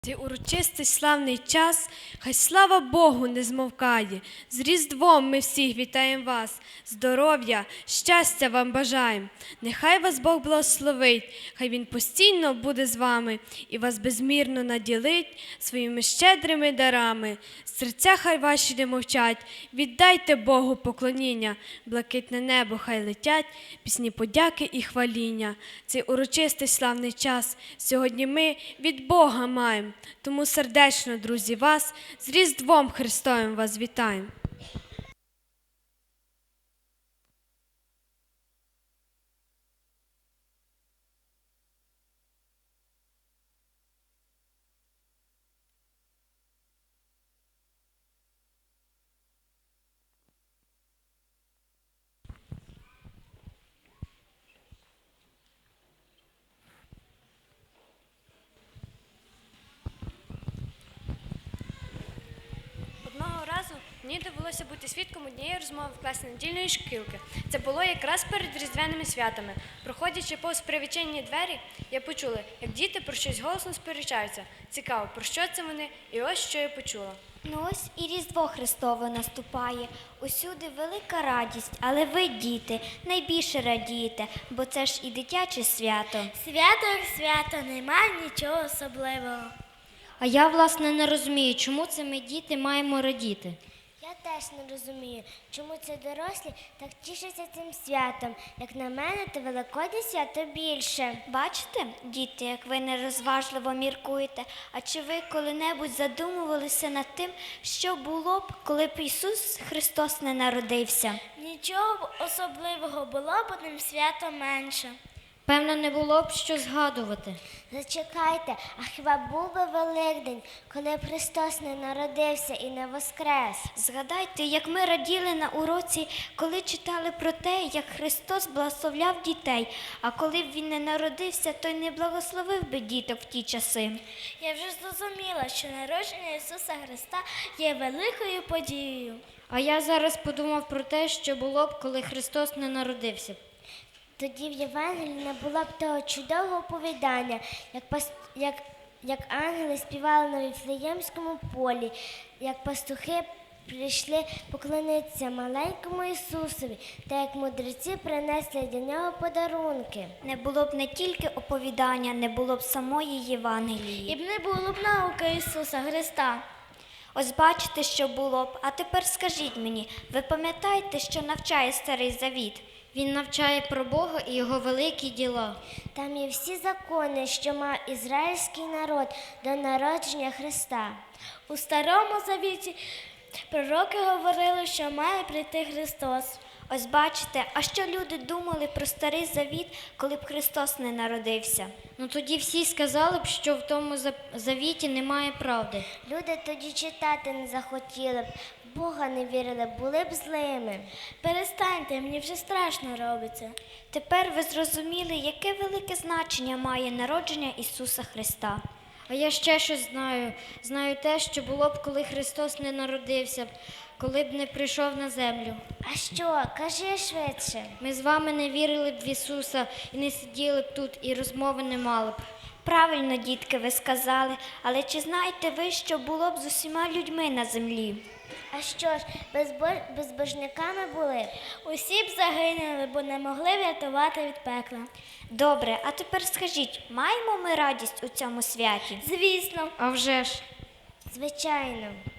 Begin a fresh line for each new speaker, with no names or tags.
Цей урочистий славний час, хай слава Богу не змовкає. З Різдвом ми всіх вітаємо вас, здоров'я, щастя вам бажаємо. Нехай вас Бог благословить, хай Він постійно буде з вами і вас безмірно наділить своїми щедрими дарами. Серця хай ваші не мовчать, віддайте Богу поклоніння, блакитне небо хай летять, пісні подяки і хваління. Цей урочистий славний час сьогодні ми від Бога маємо. Тому сердечно, друзі, вас з Різдвом Христовим вас вітаємо. Одного разу мені довелося бути свідком однієї розмови в класі недільної шкілки. Це було якраз перед різдвяними святами. Проходячи повз привідчинені двері, я почула, як діти про щось голосно сперечаються. Цікаво, про що це вони? І ось що я почула.
Ну ось і Різдво Христове наступає. Усюди велика радість, але ви, діти, найбільше радієте, бо це ж і дитяче свято.
Свято як свято, немає нічого особливого.
А я, власне, не розумію, чому це ми, діти, маємо радіти.
Я теж не розумію, чому це дорослі так тішаться цим святом. Як на мене, то Великодне свято більше.
Бачите, діти, як ви нерозважливо міркуєте, а чи ви коли-небудь задумувалися над тим, що було б, коли б Ісус Христос не народився?
Нічого б особливого було б одним святом менше.
Певно, не було б що згадувати.
Зачекайте, а хіба був би Великдень, коли б Христос не народився і не воскрес?
Згадайте, як ми раділи на уроці, коли читали про те, як Христос благословляв дітей, а коли б Він не народився, то й не благословив би діток в ті часи.
Я вже зрозуміла, що народження Ісуса Христа є великою подією.
А я зараз подумав про те, що було б, коли Христос не народився.
Тоді в Євангелії не було б того чудового оповідання, як ангели співали на Віфлеємському полі, як пастухи прийшли поклонитися маленькому Ісусові, та як мудреці принесли для нього подарунки.
Не було б не тільки оповідання, не було б самої Євангелії.
І б не було б науки Ісуса Христа.
Ось бачите, що було б. А тепер скажіть мені, ви пам'ятаєте, що навчає Старий Завіт?
Він навчає про Бога і Його великі діла.
Там є всі закони, що мав ізраїльський народ до народження Христа. У Старому Завіті пророки говорили, що має прийти Христос.
Ось бачите, а що люди думали про Старий Завіт, коли б Христос не народився?
Ну тоді всі сказали б, що в тому завіті немає правди.
Люди тоді читати не захотіли б, в Бога не вірили, були б злими. Перестаньте, мені вже страшно робиться.
Тепер ви зрозуміли, яке велике значення має народження Ісуса Христа.
А я ще щось знаю. Знаю те, що було б, коли Христос не народився, коли б не прийшов на землю.
А що? Кажи швидше.
Ми з вами не вірили б в Ісуса і не сиділи б тут, і розмови не мали б.
Правильно, дітки, ви сказали, але чи знаєте ви, що було б з усіма людьми на землі?
А що ж, безбожниками були? Усі б загинули, бо не могли врятувати від пекла.
Добре, а тепер скажіть, маємо ми радість у цьому святі?
Звісно.
А вже ж.
Звичайно.